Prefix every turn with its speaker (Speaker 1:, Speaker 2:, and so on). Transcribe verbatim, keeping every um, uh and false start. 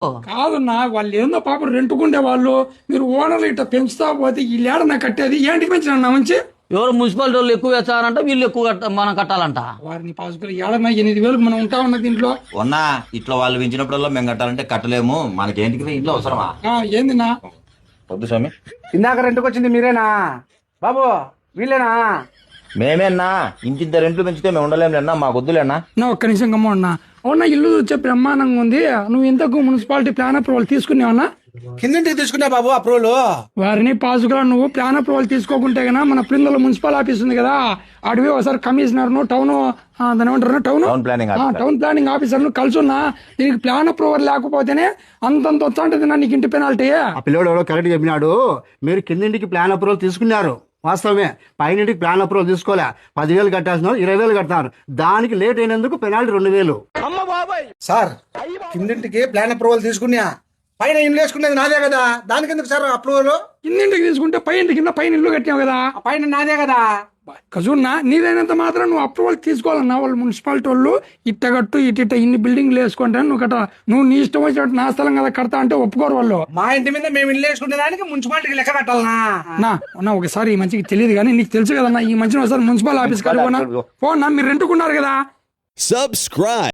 Speaker 1: కాదన్నా వాళ్ళు ఏందో పాపం రెంటుకుండే వాళ్ళు, మీరు ఓనర్లు ఇట్లా పెంచుతా పోతే ఈ లేడన్నా కట్టేది ఏంటికి పెంచిన మంచి.
Speaker 2: ఎవరు మున్సిపాలిటీ వాళ్ళు ఎక్కువ వేస్తారంట, వీళ్ళు ఎక్కువ కట్ట మనం కట్టాలంట.
Speaker 1: వారిని పాసుకులు ఏడన్నా ఎనిమిది వేలకు మనం ఉంటా ఉన్న దీంట్లో.
Speaker 3: ఉన్నా ఇట్లా వాళ్ళు పెంచినప్పుడల్లా మేము కట్టాలంటే కట్టలేము, మనకేంటికి ఇంట్లో అవసరమా?
Speaker 1: ఏందినా
Speaker 3: వద్దు స్వామి.
Speaker 4: ఇందాక రెంట్కి వచ్చింది మీరేనా బాబు? వీళ్ళేనా?
Speaker 3: మేమేనా ఇంటిద్దరు రెంట్లు పెంచితే మేము ఉండలేములేనా, మాకు వద్దులేనా.
Speaker 1: నా ఒక్క నిమిషం గమ్మ ఉన్నా. అవునా ఇల్లు వచ్చే బ్రహ్మాండంగా ఉంది. నువ్వు ఇంతకు మున్సిపాలిటీ ప్లాన్ అప్రూవల్ తీసుకున్నావన్నా?
Speaker 4: కిందింటికి తీసుకున్నా బాబు అప్రూవల్.
Speaker 1: వారిని పాసుకులా నువ్వు ప్లాన్ అప్రూవల్ తీసుకోకుంటే గనా మన ప్రిందల మున్సిపల్ ఆఫీస్ ఉంది కదా, అడివి ఒకసారి కమిషనర్ ను టౌన్ దాని ఏమంటారు town
Speaker 3: town planning
Speaker 1: town planning officer ను కలుసున్నా. దీనికి ప్లాన్ అప్రూవల్ లేకపోతేనే అంతంత వచ్చంటది నా నీకు ఇంటి పెనాల్టీ.
Speaker 4: ఆ పిల్లోడు ఎవడో కరెక్ట్ చెప్పినాడు. మీరు కిందింటికి ప్లాన్ అప్రూవల్ తీసుకున్నారు వాస్తవమే, పైనింటికి ప్లాన్ అప్రూవల్ తీసుకోలే. పదివేలు కట్టాల్సిన ఇరవై వేలు కడతారు, దానికి లేట్ అయినందుకు పెనాల్టీ రెండు వేలు. సార్ కిందింటికి ప్లాన్ అప్రూవల్ తీసుకున్నా, పైన ఇల్లు వేసుకునేది నాదే కదా, దానికి ఎందుకు సార్ అప్రూవల్?
Speaker 1: కిందింటికి తీసుకుంటే పై ఇంటి కింద పైన ఇల్లు కట్టావు కదా,
Speaker 4: పైన నాదే కదా.
Speaker 1: కజున్నా నీదైనంత మాత్రం నువ్వు అప్రూవల్ తీసుకోవాలన్నా. వాళ్ళు మున్సిపాలిటీ వాళ్ళు ఇట్ట కట్టు ఇట్ట ఇన్ని బిల్డింగ్లు వేసుకుంటాను నువ్వు కట్ట, నువ్వు నీ ఇష్టం వచ్చినట్టు నా స్థలం కదా కడతా అంటే ఒప్పుకోరు వాళ్ళు.
Speaker 4: మా ఇంటి మీద మేము ఇల్లు వేసుకునే దానికి మున్సిపాలిటీకి లెక్క కట్టాలనా?
Speaker 1: నా నా ఒకసారి ఈ మంచికి తెలియదు కానీ నీకు తెలుసు కదన్నా, ఈ మంచిని ఒకసారి మున్సిపల్ ఆఫీస్ కాదు పోనా. మీరు రెంటుకున్నారు కదా.
Speaker 5: Subscribe.